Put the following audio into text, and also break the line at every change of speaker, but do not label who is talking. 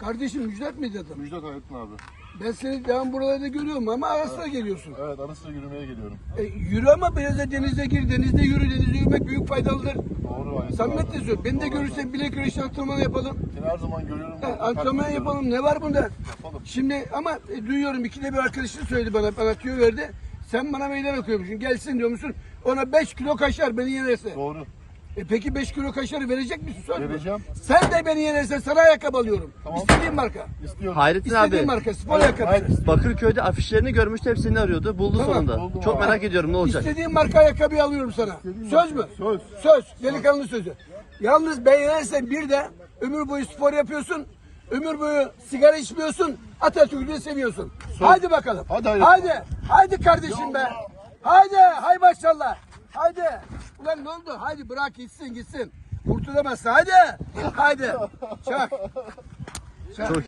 Kardeşim Müjdat mıydı adam?
Müjdat Hayrettin abi.
Ben seni devam buralarda görüyorum ama ara sıra geliyorsun.
Evet, ara sıra yürümeye geliyorum.
Yürü ama biraz da denize gir, denizde yürü, denizde yürümek büyük faydalıdır.
Doğru Hayrettin
Samimiyetle
abi.
söylüyorum. Beni de
Doğru
görürsen bilek güreşi antrenmanı yapalım.
Seni her zaman görüyorum.
Antrenman yapalım. Ne var bunda?
Yapalım.
Şimdi ama duyuyorum ikide bir arkadaşın söyledi bana tüyo verdi. Sen bana meydan okuyormuşsun. Gelsin diyor musun? Ona 5 kilo kaşar beni yenerse.
Doğru.
Peki 5 kilo kaşarı verecek misin? Söz mü?
Vereceğim.
Sen de beni yenersen sana ayakkabı alıyorum.
Tamam.
İstediğin marka.
İstiyorum.
Hayrettin
İstediğin
abi,
marka. Spor ayakkabısı.
Bakırköy'de afişlerini görmüştü, hep seni arıyordu. Buldu
Tamam,
sonunda.
buldum
Çok
abi.
merak ediyorum ne olacak.
İstediğin marka ayakkabıyı alıyorum sana. Söz mü?
Söz.
Söz. Delikanlı sözü. Yalnız beğenirsen bir de ömür boyu spor yapıyorsun. Ömür boyu sigara içmiyorsun. Atatürk'ü de seviyorsun. Haydi bakalım.
Hadi,
Haydi. Haydi kardeşim be. Haydi. Hay maşallah. Haydi. Ulan ne oldu? Haydi bırak gitsin. Kurtulamazsın. Haydi. Haydi. Çak.
Çok